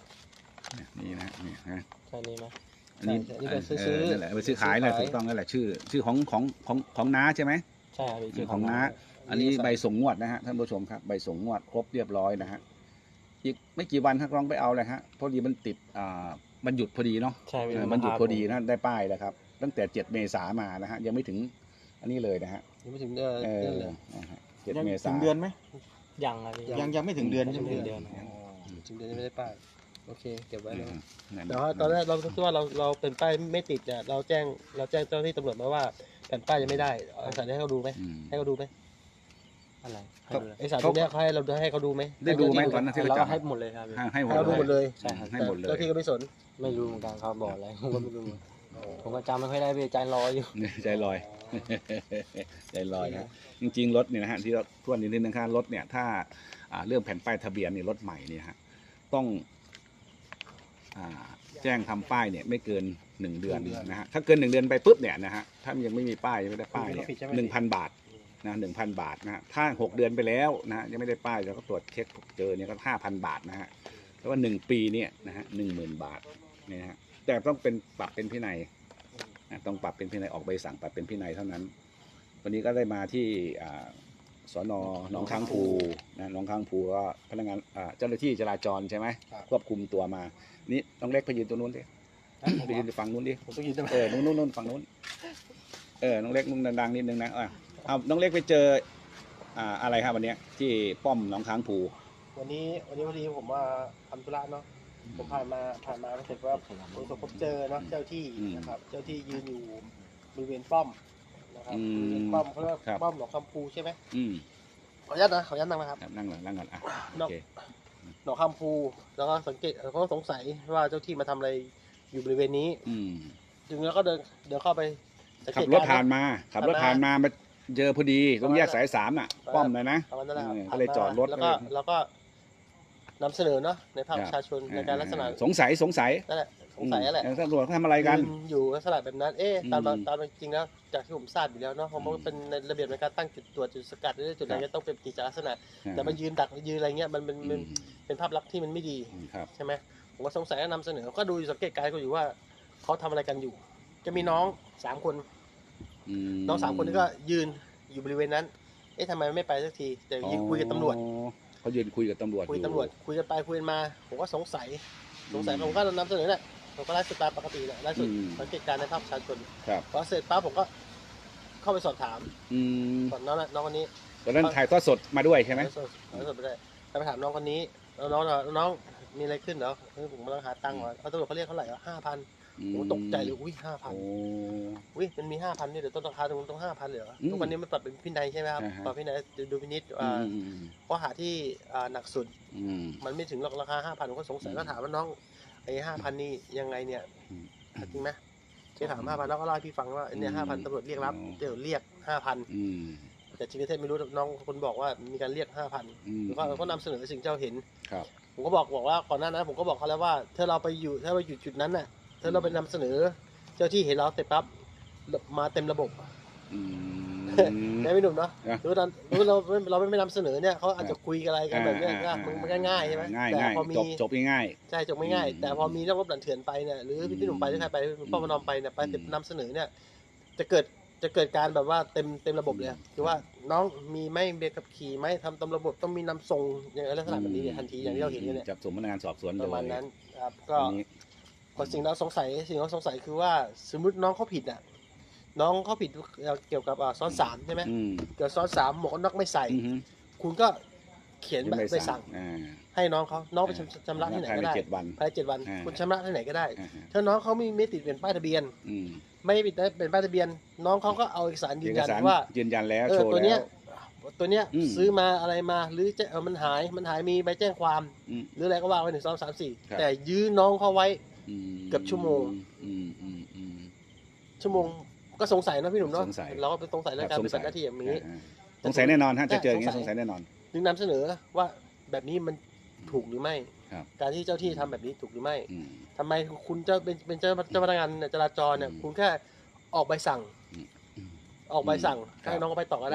Speaker 1: นี่นะนี่นะ
Speaker 2: ใช่นี่ไหม
Speaker 1: อันนี้
Speaker 3: ใช่นี่เป็น
Speaker 1: เออ
Speaker 3: ซื้อ
Speaker 1: นั่นแหละไปซื้อขายนั่นแหละ
Speaker 3: ซื้อขาย
Speaker 1: ถูกต้องนั่นแหละชื่อ ชื่อของของของของน้าใช่ไหม
Speaker 2: ใช่ครับพี่ชื่อ
Speaker 1: ของน้า
Speaker 2: น้า
Speaker 1: อันนี้ใบส่งงวดนะฮะท่านผู้ชมครับใบส่งงวดครบเรียบร้อยนะฮะอีกไม่กี่วันท่านลองไปเอาเลยฮะพอดีมันติดอ่ามันหยุดพอดีเนาะ
Speaker 2: ใช่พี่
Speaker 1: เออมันหยุดพอดีนะได้ป้ายแล้วครับ ตั้งแต่เจ็ดเมษามานะฮะยังไม่ถึงอันนี้เลยนะฮะ
Speaker 3: ยังไม่ถึงเดือน
Speaker 1: เออ
Speaker 3: เดือนเลย
Speaker 1: นะฮะเจ็ด
Speaker 4: ยัง
Speaker 1: เมษา
Speaker 4: ถึงเดือนไหม
Speaker 2: ยังครับพี่
Speaker 4: ยังยังไม่ถึงเดือนใช่ไหม
Speaker 2: ไม่ถึงเดือน
Speaker 3: ถึงเดือนยังไม่ได้ป้ายโอเคเก็บไว้เลย
Speaker 1: นั่น
Speaker 3: แต่ว่าตอนแรกเราคิดว่าเราเราเป็นป้ายไม่ติดเนี่ยเราแจ้งเราแจ้งเจ้าหน้าที่ตำรวจมาว่าแผ่นป้ายยังไม่ได้เอาเอกสารให้เขาดูไหม
Speaker 1: อืม
Speaker 3: ให้เขาดูไหม
Speaker 2: อะไรให้ดูเลย
Speaker 3: เอกสารตรงเนี้ยเขาให้เราให้เขาดูไหม
Speaker 1: ได้ดูไหมตอนนั้นที่
Speaker 2: เรา
Speaker 1: เราจับ
Speaker 2: ให้หมดเลยครับพี่
Speaker 1: ให้ให้หม
Speaker 3: ให้
Speaker 1: ด
Speaker 3: เราดูหมด
Speaker 1: เล
Speaker 3: เลย ย
Speaker 2: ใช่ครับ
Speaker 1: ให้หมดเลย
Speaker 3: เจ้าที่ก็ไม่สน
Speaker 2: ไม่รู้เหมือนกันเขาบอกอะไรผมก็ไม่รู้ผมก็จำไม่ค่อยได้พี่ใจลอยอยู่
Speaker 1: ใจลอย ใจลอยนะจริงๆรถเนี่ยนะฮะที่เราทวนนิดนึงนะครับรถเนี่ยถ้าอ่าเรื่องแผ่นป้ายทะเบียนเนี่ยรถใหม่เนี่ยฮะต้องอ่าแจ้งทำป้ายเนี่ยไม่เกินหนึ่งเดือนนะฮะถ้าเกินหนึ่งเดือนไปปุ๊บเนี่ยนะฮะถ้ามันยังไม่มีป้ายยังไม่ได้ป้ายเนี่ยหนึ่งพันบาทนะหนึ่งพันบาทนะฮะถ้าหกเดือนไปแล้วนะฮะยังไม่ได้ป้ายเราก็ตรวจเช็คเจอเนี่ยก็ห้าพันบาทนะฮะแล้วว่าหนึ่งปีเนี่ยนะฮะหนึ่งหมื่นบาทเนี่ยนะฮะแต่ต้องเป็นปรับเป็นพินัยนะต้องปรับเป็นพินัยออกใบสั่งปรับเป็นพินัยเท่านั้น วันนี้ก็ได้มาที่อ่าสนหนองค้างภูนะหนองค้างภูก็พนักงานอ่าเจ้าหน้าที่จราจรใช่ไหมควบคุมตัวมานี่น้องเล็กไปยืนตัวนู้นดิไปยืนฝั่งนู้นดิ
Speaker 3: ผมต้องยืนทำไม
Speaker 1: เออนู้นนู้นนู้นฝั่งนู้นเออน้องเล็กมึงดังๆนิดนึงนะอ่ะเอาน้องเล็กไปเจออ่าอะไรครับวันเนี้ยที่ป้อมหนองค้างภู
Speaker 3: วันนี้วันนี้พอดีผมมาทำธุระเนาะผมผ่านมาผ่านมาแล้วเสร็จว่าผมพบเจอเนาะเจ้าที่นะครับเจ้าที่ยืนอยู่บริเวณป้อมนะครับบริเวณป้อมเขาเรียกว่าป้อมหนองคำพูใช่ไหม
Speaker 1: อืม
Speaker 3: ขออนุญาตนะขออนุญาตนั่งนะครับ
Speaker 1: ครับนั่งก่อนนั่งก่อนอ่ะโอเค
Speaker 3: หนองคำพูแล้วก็สังเกตเขาก็สงสัยว่าเจ้าที่มาทำอะไรอยู่บริเวณนี้
Speaker 1: อืม
Speaker 3: จึงแล้วก็เดินเดินเข้าไปสัง
Speaker 1: ขั
Speaker 3: เก
Speaker 1: บ
Speaker 3: ต
Speaker 1: รถ
Speaker 3: ก
Speaker 1: ผ่านมาขับรถผ่านมามาเจอพอดีตรงแยกสายสามน่ะป้อมเลยนะ
Speaker 3: ประมาณนั้นแหละครับ
Speaker 1: เออก็เลยจอดรถ
Speaker 3: แล้วก็แล้วก็นำเสนอเนาะในภาค
Speaker 1: ครับ
Speaker 3: ประชาชนในการลักษณะ
Speaker 1: สงสัยสงสัย
Speaker 3: นั่นแหละสงสัยนั่นแหละ
Speaker 1: อืมตำรวจเขาทำอะไรกัน
Speaker 3: ยือยู่ลักษณะแบบนั้น เอ๊ะตาม
Speaker 1: อืม
Speaker 3: ตามจริงแล้วจากที่ผมทราบอยู่แล้วเนาะเพราะมันเป็นในระเบียบในการตั้งจุดตรวจจุดสกัดหรือจุดอะไร
Speaker 1: ครับ
Speaker 3: เงี้ยต้องเป็นกิจลักษณะ แต่มายืนดักยืนอะไรเงี้ยมันเป็น
Speaker 1: อื
Speaker 3: เป็น
Speaker 1: ม
Speaker 3: เป็นภาพลักษณ์ที่มันไม่ดี
Speaker 1: ครับ
Speaker 3: ใช่ไหมผมก็สงสัยก็นำเสนอก็ดูอยู่สังเกตการณ์ก็อยู่ว่าเขาทำอะไรกันอยู่ จะมีน้องสามคน
Speaker 1: ม
Speaker 3: น้องสามคนนี้ก็ยืนอยู่บริเวณนั้น เอ๊ะทำไมไม่ไปสักทีแต่ยืนคุยกับตำรวจ
Speaker 1: อ๋อเขายืนคุยกับตำรวจ
Speaker 3: คุย
Speaker 1: อ
Speaker 3: ตำรวจคุยกันไปคุยกันมาผมก็สงสัยสงสัย
Speaker 1: อืม
Speaker 3: ผมก็นำเสนอแหละผมก็ไลฟ์สดตามปกติแหละไลฟ์สด
Speaker 1: อืม
Speaker 3: สังเกตการณ์ในภาพประชาชน
Speaker 1: ครับ
Speaker 3: พอเสร็จปั๊บผมก็เข้าไปสอบถาม
Speaker 1: อืม
Speaker 3: สอบน้องน่ะน้องคนนี้
Speaker 1: ตอนนั้นถ่ายทอดสดมาด้วยใช่ไหม
Speaker 3: ไลฟ์สดไลฟ์สดไปได้ไปถามน้องคนนี้แล้วน้องน้องน้องมีอะไรขึ้นเหรอเออผมกำลังหาตังค์เหรอเอาตำรวจเขาเรียกเท่าไหร่อ่ะห้าพันผมก็ตกใจเลยอุ้ยห้าพัน
Speaker 1: โอ้
Speaker 3: อุ้ยมันมีห้าพันนี่เดี๋ยวต้นราคาตรงต้องห้าพันเลยเหรอ
Speaker 1: อืม
Speaker 3: ทุกวันนี้มันปรับเป็นพินัยใช่ไหมครับ
Speaker 1: อ่าฮะ
Speaker 3: ปรับพินัยดูพินิจ
Speaker 1: อื
Speaker 3: อ่าม
Speaker 1: อืม
Speaker 3: ข้อหาที่อ่าหนักสุด
Speaker 1: อืม
Speaker 3: มันไม่ถึงหรอกราคาห้าพันผมก็สงสัย
Speaker 1: อืม
Speaker 3: ก็ถามว่าน้องไอ้ห้าพันนี่ยังไงเนี่ย
Speaker 1: อืม
Speaker 3: จริงไหมที่ถามห้าพันน้องก็เล่าให้พี่ฟังว่าเนี่ย
Speaker 1: อื
Speaker 3: ห้าม พันตำรวจเรียกรับ
Speaker 1: อ๋อ
Speaker 3: เดี๋ยวเรียกห้าพัน
Speaker 1: อืม
Speaker 3: แต่จริงๆเท็จไม่รู้น้องคนบอกว่ามีการเรียกห้าพัน
Speaker 1: อืม
Speaker 3: แล้วก็เราก็นำเสนอสิ่งที่เราเห็น
Speaker 1: ครับ
Speaker 3: ผมก็บอกบอกว่าก่อนหน้านั้นผมก็บอกเขาแล้วว่าถ้าเราไปอยู่ถ้าเราอยู่จุดนั้นน่ะถ้าเราไปนำเสนอ เจ้าที่เห็นเราเสร็จปั๊บมาเต็มระบบ
Speaker 1: อืม
Speaker 3: ได้ไม่หนุ่มเนาะ
Speaker 1: นะ
Speaker 3: หรือว่าหรือว่าเราไม่เราไม่นำเสนอเนี่ยเขาอาจจะคุยกันอะไรกันแบบเนี้ย
Speaker 1: อ่า
Speaker 3: ง่าย
Speaker 1: อ่า
Speaker 3: มันก็ง่ายใช่ไหม
Speaker 1: ง่าย
Speaker 3: แต่
Speaker 1: ง่าย
Speaker 3: พอมี
Speaker 1: จบจบง่าย
Speaker 3: ใช่จบไม่ง่าย
Speaker 1: อืม
Speaker 3: แต่พอมีนักรบหลันเถื่อนไปเนี่ยหรือพี่พี่หนุ่มไปหรือใครไป
Speaker 1: อืม
Speaker 3: พ่อมานอมไปเนี่ยไป
Speaker 1: อืม
Speaker 3: นำเสนอเนี่ยจะเกิดจะเกิดการแบบว่าเต็มเต็มระบบเลย
Speaker 1: อืม
Speaker 3: คือว่าน้องมีไม่เบียขับขี่ไหมทำตามระบบต้องมีนำส่งอย่างลักษณะแบบนี้เนี่ยทันทีอย่างที่เราเห็นกันเนี่ย
Speaker 1: จับสมพนักงานสอบสวน
Speaker 3: ป
Speaker 1: เลย
Speaker 3: ระมาณนั้นครับก็
Speaker 1: อันนี้
Speaker 3: พอสิ่งเราสงสัยสิ่งเราสงสัยคือว่าสมมติน้องเขาผิดอ่ะน้องเขาผิดเกี่ยวกับอ่าซ้อนสามใช่ไหม
Speaker 1: อืม
Speaker 3: เกี่ยวกับซ้อนสามหมวกกันน็อกไม่ใส่
Speaker 1: อือฮึ
Speaker 3: คุณก็เขียนแบบไปสั่ง
Speaker 1: อ่า
Speaker 3: ให้น้องเขาน้องไปชำชำระที่ไหน
Speaker 1: ภาย
Speaker 3: ก็
Speaker 1: ใน
Speaker 3: ได้
Speaker 1: เจ็ดวัน
Speaker 3: ภายในเจ็ดวัน
Speaker 1: อ่า
Speaker 3: คุณชำระที่ไหนก็ได้
Speaker 1: อ่าฮะ
Speaker 3: ถ้าน้องเขาไม่ไม่ติดเป็นป้ายทะเบียน
Speaker 1: อืม
Speaker 3: ไม่ติดเป็นป้ายทะเบียน น้องเขาก็เอาเอกสารยื
Speaker 1: เอน ก
Speaker 3: ยัน
Speaker 1: สาร
Speaker 3: ว่า
Speaker 1: ยืนยันแล้ว
Speaker 3: เออ
Speaker 1: โชว์
Speaker 3: ตัว
Speaker 1: แล้
Speaker 3: เนี้ยว ตัวเนี้ย
Speaker 1: อืม
Speaker 3: ซื้อมาอะไรมาหรือจะเออมันหายมันหายมีใบแจ้งความ
Speaker 1: อืม
Speaker 3: หรืออะไรก็ว่าไว้หนึ่งสองสามสี่
Speaker 1: ครับ
Speaker 3: แต่ยื้อน้องเขาไว้
Speaker 1: อืม
Speaker 3: เกือบชั่วโมง
Speaker 1: อืมอืมอืม
Speaker 3: ชั่วโมงก็สงสัยนะพี่หนุ่มเนาะ
Speaker 1: สงสัย
Speaker 3: เราก็เป็นสงสัยในการปฏิบัติหน้าที่อย่างนี้
Speaker 1: อ่าสงสัยแน่นอนฮะจะเจออย่างนี้
Speaker 3: ใช่
Speaker 1: สงสัยแน่นอน
Speaker 3: จึงนำเสนอว่าแบบนี้มันถูกหรือไม่
Speaker 1: ครับ
Speaker 3: การที่เจ้าที่ทำแบบนี้ถูกหรือไม่
Speaker 1: อืม
Speaker 3: ทำไมคุณเจ้าเป็นเป็นเจ้าเจ้าพนักงานจราจรเนี่ย
Speaker 1: อืม
Speaker 3: คุณแค่ออกใบสั่ง
Speaker 1: อืม
Speaker 3: ออกใบสั่ง
Speaker 1: ครับ
Speaker 3: ให้น้องเขาไปต่อก็ได้
Speaker 1: แล้วก็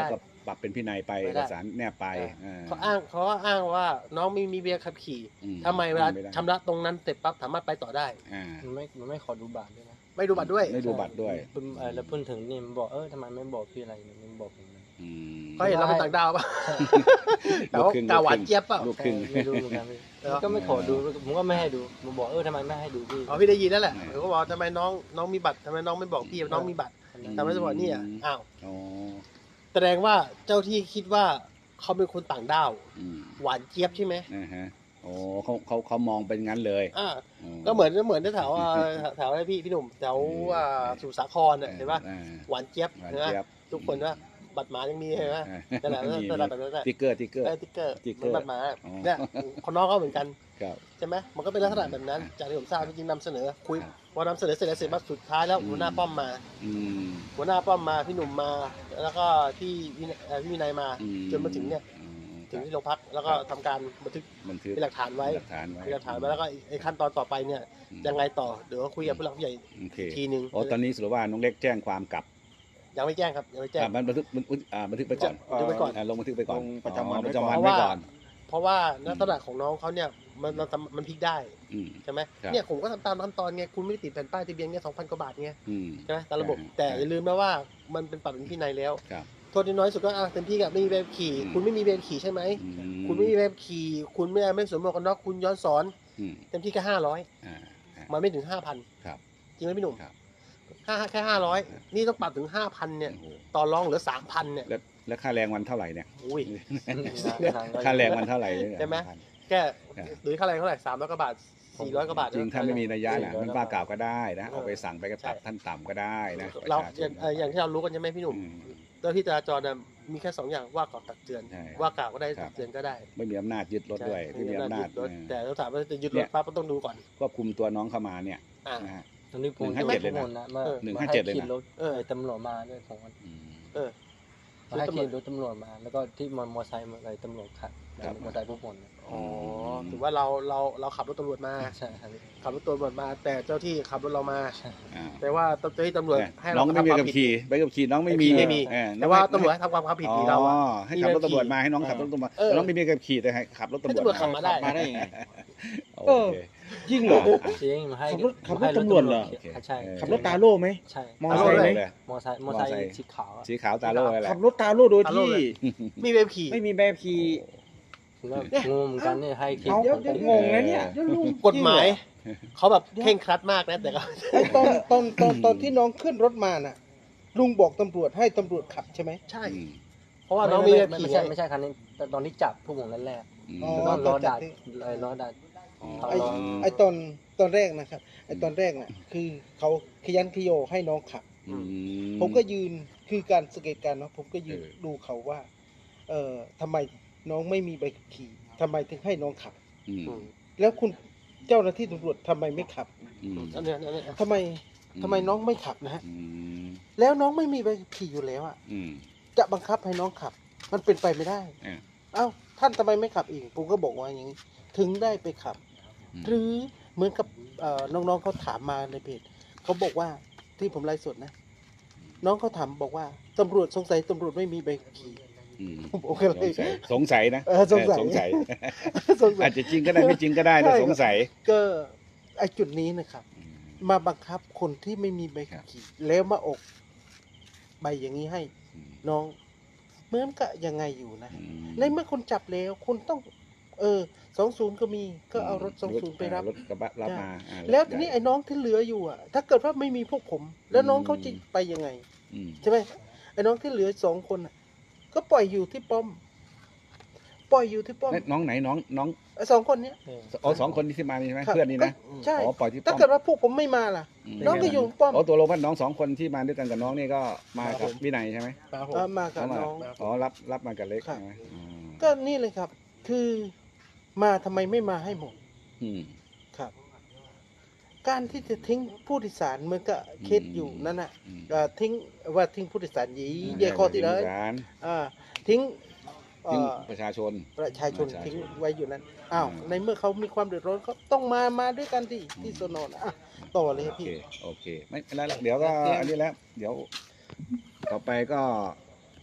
Speaker 1: ปรับเป็นพินัยไป
Speaker 2: ไม่
Speaker 1: เอ
Speaker 2: ได้
Speaker 1: กสารแนบไป
Speaker 2: อ่า
Speaker 1: อ่
Speaker 3: เขาอ้างเขาอ้างว่าน้องไม่มีเบียร์ขับขี่
Speaker 1: อืม
Speaker 3: ทำไมเวลา
Speaker 1: ไม่ได้
Speaker 3: ชำระตรงนั้นเสร็จปั๊บสามารถไปต่อได้
Speaker 1: อ่า
Speaker 2: มันไม่มันไม่ขอดูบัตรด้วยนะ
Speaker 3: ไม่ดูบัตรด้วย
Speaker 1: ไม่ดูบัตรด้วย
Speaker 2: เพิ่งเออแล้วเพิ่งถึงนี่มันบอกเออทำไมไม่บอกพี่อะไรเนี่ยมันบอกผมเลย
Speaker 1: อืม
Speaker 3: เขาเห็นเราเป็นต่างดาวป่ะ แต่
Speaker 1: ลูก
Speaker 3: ว่า
Speaker 1: ครึ่ง
Speaker 3: กาหวานเจี๊ยบเปล่า
Speaker 1: ลูกครึ่ง
Speaker 2: ไม่รู้เหมือนกันพี่มันก็ไม่ขอดูผมก็ไม่ให้ดูผมบอกเออทำไมไม่ให้ดูพี่
Speaker 3: อ๋อพี่ได้ยินแล้วแหละ
Speaker 1: อืม
Speaker 3: เขาบอกทำไมน้องน้องมีบัตรทำไมน้องไม่บอกพี่ว่าน้องมีบัตรทำไมจะบอกเนี่ยอ้าว
Speaker 1: อ๋อ
Speaker 3: แสดงว่าเจ้าที่คิดว่าเขาเป็นคนต่างด้าว
Speaker 1: อืม
Speaker 3: หวานเจี๊ยบใช่ไหม
Speaker 1: นะฮะโอ้เขาเขาเขามองเป็นงั้นเลย
Speaker 3: อ่า
Speaker 1: อ๋อ
Speaker 3: ก็เหมือนเหมือนแถวอ่าแถวอะไรพี่พี่หนุ่มแถวอ่าสมุทรสาครน่ะเห็นป่ะ
Speaker 1: อ่า
Speaker 3: หวานเจี๊ยบ
Speaker 1: หวาน
Speaker 3: เห็นไหม
Speaker 1: เจี๊ยบ
Speaker 3: ทุกคนว่าบัตรหมายังมีเห็นไหม
Speaker 1: อ่า
Speaker 3: นั่นแหละ
Speaker 1: มี
Speaker 3: นั่นแหละแบบนั้นแหละ
Speaker 1: ติ๊กเกอร์ติ๊กเกอร์
Speaker 3: เออติ๊กเกอร์
Speaker 1: ติ๊ก
Speaker 3: เห
Speaker 1: เก
Speaker 3: มื
Speaker 1: อ
Speaker 3: อน
Speaker 1: ร์
Speaker 3: บัตรหมา
Speaker 1: อ๋อ
Speaker 3: เนี่ยคนน้องก็เหมือนกัน
Speaker 1: ครับ
Speaker 3: ใช่ไหมมันก็เป็นลักษณะแบบนั้น จากที่ผมทราบจริงๆนำเสนอคุย
Speaker 1: ครับ
Speaker 3: พอนำเสนอเสร็จแล้วเสร็จมาสุดท้ายแล้ว
Speaker 1: อืม
Speaker 3: หัวหน้าป้อมมา
Speaker 1: อืม
Speaker 3: หัวหน้าป้อมมาพี่หนุ่มมา แล้วก็พี่วินัยเอ่อพี่วินัยมา
Speaker 1: อื
Speaker 3: จนมาถึงเนี่ย
Speaker 1: อืม
Speaker 3: ถึงที่โรงพักแล้วก็
Speaker 1: ครับ
Speaker 3: ทำการบันทึก
Speaker 1: บันทึก
Speaker 3: เป็นหลักฐานไว้
Speaker 1: หลักฐานไว้
Speaker 3: เป็นหลักฐานไว้แล้วก็ไอ้ขั้นตอนต่อไปเนี่ย
Speaker 1: อืม
Speaker 3: ยังไงต่อเดี๋ยวคุยกับผู้หลักผู้ใหญ่
Speaker 1: โอเค
Speaker 3: ทีนึง
Speaker 1: โอ้ตอนนี้สรุปว่าน้องเล็กแจ้งความกลับ
Speaker 3: ยังไม่แจ้งครับยังไม่แจ้ง
Speaker 1: อ่าบันบันทึกบันทึกอ่าบันทึกไปก่อน
Speaker 3: บันทึกไปก่อน
Speaker 1: าลงบันทึกไปก่อน
Speaker 4: ลงประจำวัน
Speaker 1: อ๋อ
Speaker 4: ไว้
Speaker 1: ประ
Speaker 4: ก่อน
Speaker 1: จำวัน
Speaker 3: เพราะ
Speaker 1: ไว้
Speaker 3: ว่า
Speaker 1: ก่อน
Speaker 3: เพราะว่าลักษณะของน้องเขาเนี่ยมันมันมันพลิกได้
Speaker 1: อืม
Speaker 3: ใช่ไหม
Speaker 1: ครับ
Speaker 3: เนี่ยผมก็ทำตามขั้นตอนไงคุณไม่ได้ติดแผ่นป้ายทะเบียนเนี่ยสองพันกว่าบาทไง
Speaker 1: อืม
Speaker 3: ใช่ไหมตามระบบ
Speaker 1: ใช่
Speaker 3: แต่
Speaker 1: ใช่
Speaker 3: อย่าลืมนะว่ามันเป็นปรับเป็นพินัยแล้ว
Speaker 1: ครับ
Speaker 3: โทษที่น้อยสุดก็อ่ะเต็มที่กับไม่มีใบขับขี่
Speaker 1: อืม
Speaker 3: คุณไม่มีใบขับขี่ใช่ไหม
Speaker 1: อืม
Speaker 3: คุณไม่มีใบขับขี่ คุณไม่ไม่สวมหมวกกันน็อกคุณย้อนสอน
Speaker 1: อืม
Speaker 3: เต็มที่แค่ห้าร้อย
Speaker 1: อ่าอ่า
Speaker 3: มันไม่ถึงห้าพัน
Speaker 1: ครับ
Speaker 3: จริงไหมพี่หนุ่ม
Speaker 1: ครับ
Speaker 3: ห้าแค่ห้าร้อยนี่ต้องปรับถึงห้าพันเนี่ย
Speaker 1: โอ้โห
Speaker 3: ต่อรองเหลือสามพันเนี่ย
Speaker 1: แล้วแล้วค่าแรงวันเท่าไหร่เนี่ย
Speaker 3: อุ้ย
Speaker 1: ค่าแรงวันเท่าไหร่เนี่ย
Speaker 3: ใช่ไหม
Speaker 1: พัน
Speaker 3: แค่
Speaker 1: ครับ
Speaker 3: หรือค่าแรงเท่าไหร่สามร้อยกว่าบาทสี่ร้อยกว่าบาท
Speaker 1: จริงถ้าไม่มีนัยยะนะ
Speaker 2: เออ
Speaker 1: มันว่ากล่าวก็ได้นะ
Speaker 3: เออ
Speaker 1: เอาไปสั่งไปกระตับ
Speaker 3: ใช่
Speaker 1: ท่านต่ำก็ได้นะ
Speaker 3: เรา
Speaker 1: ประช
Speaker 3: อย่าง
Speaker 1: ชน
Speaker 3: เอ่ออย่างที่เรารู้กันใช่ไหมพี่หนุ่ม
Speaker 1: อืม
Speaker 3: เจ้าที่จราจรน่ะมีแค่สองอย่างว่ากล่าวตักเตือน
Speaker 1: ใช่
Speaker 3: ว่ากล่าวก็ได้
Speaker 1: ครับ
Speaker 3: ตักเตือนก็ได้
Speaker 1: ไม่มีอำนาจยึดรถด้วย
Speaker 3: ใช่
Speaker 1: ไม่มีอำนาจ
Speaker 3: ยึดรถ
Speaker 1: เออ
Speaker 3: แต่เราถามว่าจะยึด
Speaker 1: เนี่
Speaker 3: รถ
Speaker 1: ย
Speaker 3: ปั๊บก็ต้องดูก่อน
Speaker 1: ควบคุมตัวน้องเข้ามาเนี่ย
Speaker 3: อ่า
Speaker 1: นะฮะ
Speaker 2: ตอนนี้ผม
Speaker 1: หนึ่งห้าเจ็ดเลยนะ
Speaker 2: ผมนะมา
Speaker 1: หนึ่ง
Speaker 2: มา
Speaker 1: ห้า
Speaker 2: ให้
Speaker 1: เจ็ดเลยนะ
Speaker 2: ขี่รถ
Speaker 3: เออ
Speaker 2: ไอ้ตำรวจมาด้วยผม
Speaker 1: อืม
Speaker 3: เออ
Speaker 2: มาให้ขี่รถตำรวจมา แล้วก็ที่มอเตอร์ไซค์อะไรตำรวจขับ
Speaker 1: ครับ
Speaker 2: มอเตอร์ไซค์พวกผมเนี่ย
Speaker 3: อ๋อถือว่าเราเราเราขับรถตำรวจมา
Speaker 2: ใช่ครับ
Speaker 3: ขับรถตำรวจมา แต่เจ้าที่ขับรถเรามา
Speaker 1: อ่า
Speaker 3: แต่ว่าเจ้าที่ตำรวจ
Speaker 1: เนี่ย
Speaker 3: ให้
Speaker 1: น้
Speaker 3: เรา
Speaker 1: องไม่มี
Speaker 3: ทำควา
Speaker 1: กับ
Speaker 3: ผิด
Speaker 1: ขี่ใบขับขี่น้องไม่มี
Speaker 3: ไม่มี
Speaker 1: เออ
Speaker 3: แต่ว่า
Speaker 1: น้อง
Speaker 3: ตำรวจให้ทำความผิดที่เรา
Speaker 1: อ๋
Speaker 3: อะ
Speaker 1: อให้ขับรถตำรวจมาให้น้องขับรถตำรวจ
Speaker 3: เออ
Speaker 1: แต่น้องไม่มีกับขี่แต่ให้ขับรถ
Speaker 3: ให้
Speaker 1: ตำรวจ
Speaker 3: ตำรวจขับมาได้
Speaker 4: มาได้ยังไง
Speaker 1: โอเค
Speaker 4: จริงเหรอ
Speaker 2: จริงมาให้
Speaker 4: ขับรถขับรถ
Speaker 2: ให้
Speaker 4: ตำรวจเหรอ
Speaker 2: ขี่
Speaker 1: โอเค
Speaker 2: ใช่
Speaker 1: เออ
Speaker 4: ขับรถตาโล่ไหม
Speaker 2: ใช่
Speaker 4: มอไซค์ไหม
Speaker 1: เลย
Speaker 2: มอเตอร์ไซค์มอเตอร์ไซค์
Speaker 1: มอเตอร์ไซค์
Speaker 2: สีขาวอะ
Speaker 1: สีขาวตาโล่อะไร
Speaker 4: ขับรถตาโล่โดย
Speaker 3: ตาโล่
Speaker 4: ที่
Speaker 3: เลย มีใบขับขี่
Speaker 4: ไม่มีแบบขี่
Speaker 2: ผมก็งงเหมือนกันเนี่ยให้ขี่
Speaker 4: เอา
Speaker 2: ผม
Speaker 4: เดี๋ยวงงนะเนี่ย
Speaker 3: กฎหมายเขาแบบเคร่งครัดมากนะแต่ก็
Speaker 5: ไอ้ตอนตอนตอนตอนที่น้องขึ้นรถมาน่ะ ลุงบอกตำรวจให้ตำรวจขับใช่ไหม
Speaker 3: ใช่
Speaker 1: อืม
Speaker 3: เพราะว่าน้องมี
Speaker 2: ไม่
Speaker 3: ใบขับ
Speaker 2: ไม่
Speaker 3: ขี่
Speaker 2: ไม่ใช่ไม่ใช่คันนี้แต่ตอนที่จับพวกผมแรก
Speaker 1: อืม
Speaker 5: อ๋อ
Speaker 2: ๆแล้วก็ล้อดัด
Speaker 5: ตอนจับที่
Speaker 2: ไอ้ล้อดัด
Speaker 1: อ๋อ
Speaker 5: ไอ้ไอ้ตอนตอนแรกนะครับไอ้ตอนแรกน่ะคือเขาขยันขยโยให้น้องขับ
Speaker 1: อื
Speaker 5: ผมก็ยืนคือการสังเกตการณ์เนาะผมก็ยืน
Speaker 1: เออ
Speaker 5: ดูเขาว่า เอ่อทำไมน้องไม่มีใบขับขี่ทำไมถึงให้น้องขับ
Speaker 1: อืม
Speaker 3: อืม
Speaker 5: แล้วคุณเจ้าหน้าที่ตำรวจทำไมไม่ขับ
Speaker 1: อืม
Speaker 3: อันเนี้ยอันเนี้ย
Speaker 5: ทำไมทำไมน้องไม่ขับนะฮะ
Speaker 1: อืม
Speaker 5: แล้วน้องไม่มีใบขับขี่อยู่แล้วอ่ะ
Speaker 1: อืม
Speaker 5: จะบังคับให้น้องขับ มันเป็นไปไม่ได้
Speaker 1: อ่า
Speaker 5: เอ้าท่านทำไมไม่ขับเองผมก็บอกว่าอย่างนี้ ถึงได้ไปขับ หรือเหมือนกับเอ่อน้องๆเขาถามมาในเพจเขาบอกว่าที่ผมไลฟ์สดนะ น้องเขาถามบอกว่าตำรวจสงสัยตำรวจไม่มีใบขับขี่
Speaker 1: อืม
Speaker 5: โอเคเล
Speaker 1: ส
Speaker 5: ย
Speaker 1: งสัยสงสัยนะ
Speaker 5: เออสงสัย
Speaker 1: เออสงสัย
Speaker 5: สงสั
Speaker 1: อาย จจะจริงก็ได้ไม่จริงก็ได้นะ
Speaker 5: ใช่ครับ
Speaker 1: สงสัย
Speaker 5: ก็ไอจุดนี้นะครับ
Speaker 1: อืม
Speaker 5: มาบังคับคนที่ไม่มีใบขับขี่แล้วมาออกใบอย่างนี้ให้
Speaker 1: อืม
Speaker 5: น้องเหมือนกับยังไงอยู่นะ
Speaker 1: อืม
Speaker 5: ในเมื่อคนจับแล้วคุณต้อง เออสองศูนย์ก็มีก็เอารถสองศูนย์ไปรับ
Speaker 1: รถกระบะรับมาอ่า
Speaker 5: แล้วทีนี้ไอ้น้องที่เหลืออยู่อ่ะ ถ้าเกิดว่าไม่มีพวกผม แล้วน้องเขาจะไปยังไง
Speaker 1: อืม
Speaker 5: ใช่ไหมไอ้น้องที่เหลือสองคนน่ะ ก็ปล่อยอยู่ที่ป้อม ปล่อยอยู่ที่ป้อม
Speaker 1: เอ๊ะน้องไหนน้องน้อง
Speaker 5: ไอ้สองคนเนี้ย
Speaker 2: เออ
Speaker 1: อ๋อสองคนที่มานี่ใช่ไหม
Speaker 5: ครับ
Speaker 1: เพื่อนนี่นะ
Speaker 5: ก็ใช่
Speaker 1: อ๋อปล่อยที่ป้
Speaker 5: ถ้า
Speaker 1: อม
Speaker 5: เกิดว่าพวกผมไม่มาล่ะ
Speaker 1: ม
Speaker 5: น้องก็อยู่ป้อม
Speaker 1: อ๋อตัวลงว่าน้องสองคนที่มาด้วยกันกับน้องนี่ก็มากับวินัยใช่ไหม
Speaker 3: ครับผม
Speaker 5: เออมากับ
Speaker 1: เขามา
Speaker 5: น้อง
Speaker 1: อ๋อรับรับมากับเล็ก
Speaker 5: ครับ
Speaker 1: ใช่ไหมอืม
Speaker 5: ก็นี่เลยครับ คือมาทำไมไม่มาให้หมด
Speaker 1: อืม
Speaker 5: ครับ การที่จะทิ้งผู้โดยสารเหมือนกับเคสอยู่นั่นน่ะ
Speaker 1: อืม
Speaker 5: เอ่อทิ้งว่าทิ้งผู้โดยสารหยีเดียคอที่เลย
Speaker 1: ร้าน
Speaker 5: อ่าทิ้งเอ่
Speaker 1: ทิ้ง
Speaker 5: อ
Speaker 1: ประชาชน
Speaker 5: ประชาชน
Speaker 1: ประชาชน
Speaker 5: ทิ้งไว้อยู่นั้นอ้าว
Speaker 1: อืม
Speaker 5: ในเมื่อเขามีความเดือดร้อนเขาต้องมามาด้วยกันที่ที่สนนอ่ะต่อเลย
Speaker 1: โอ
Speaker 5: พี่
Speaker 1: เคโอเคไม่เป็นไรละเดี๋ยวก็อันนี้แล้ว เดี๋ยว ต่อไปก็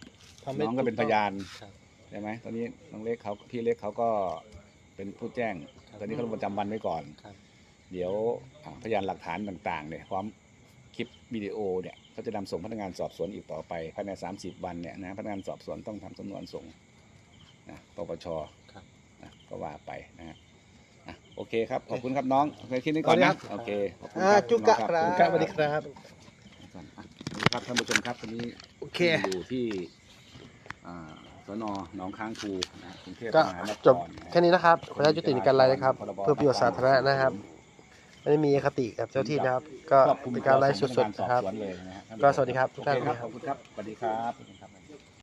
Speaker 3: ทำให้
Speaker 1: น้องก็เป็นพยาน
Speaker 2: ครับ
Speaker 1: ใช่ไหมตอนนี้น้องเล็กเขาพี่เล็กเขาก็เป็นผู้แจ้ง
Speaker 2: ครับ
Speaker 1: ตอนนี้เขาลงประจำวันไว้ก่อน
Speaker 2: ครับ
Speaker 1: เดี๋ยวอ่าพยานหลักฐานต่างๆเนี่ยพร้อมคลิปวิดีโอเนี่ยเขาจะนำส่งพนักงานสอบสวนอีกต่อไปภายในสามสิบวันเนี่ยนะพนักงานสอบสวนต้องทำสำนวนส่งนะปปช
Speaker 2: ครับ
Speaker 1: นะก็ว่าไปนะฮะอ่ะโอเคครับขอบคุณครับน้องโอเคคิดนี้ก่อนนะโอเคขอบคุณ
Speaker 5: อ่า
Speaker 1: ครับ
Speaker 5: จุกะ
Speaker 1: น้อง
Speaker 5: ครับ
Speaker 3: สวัสดีครับ
Speaker 1: อ่ะสวัสดีครับท่านผู้ชมครับวันนี้
Speaker 3: โอเค
Speaker 1: อยู่ที่อ่าสนหนองค้างคูนะกรุงเทพ
Speaker 3: ก็
Speaker 1: มหานคร
Speaker 3: จบแค่นี้นะครับขออนุญาตยุติในการไลฟ์นะครับ เพื่อประโยชน์สาธารณะนะครับ ไม่ได้มีอคติกับเจ้าที่นะครับ ก็
Speaker 1: ครอบคลุม
Speaker 3: เป็นการไลฟ์สดๆนะครับ
Speaker 1: สอบสวนเลยนะฮะท่านผู้ชม
Speaker 3: ก็สวัสดีครับทุกท่าน
Speaker 1: โอเคครับขอบคุณครับสวัสดีครับ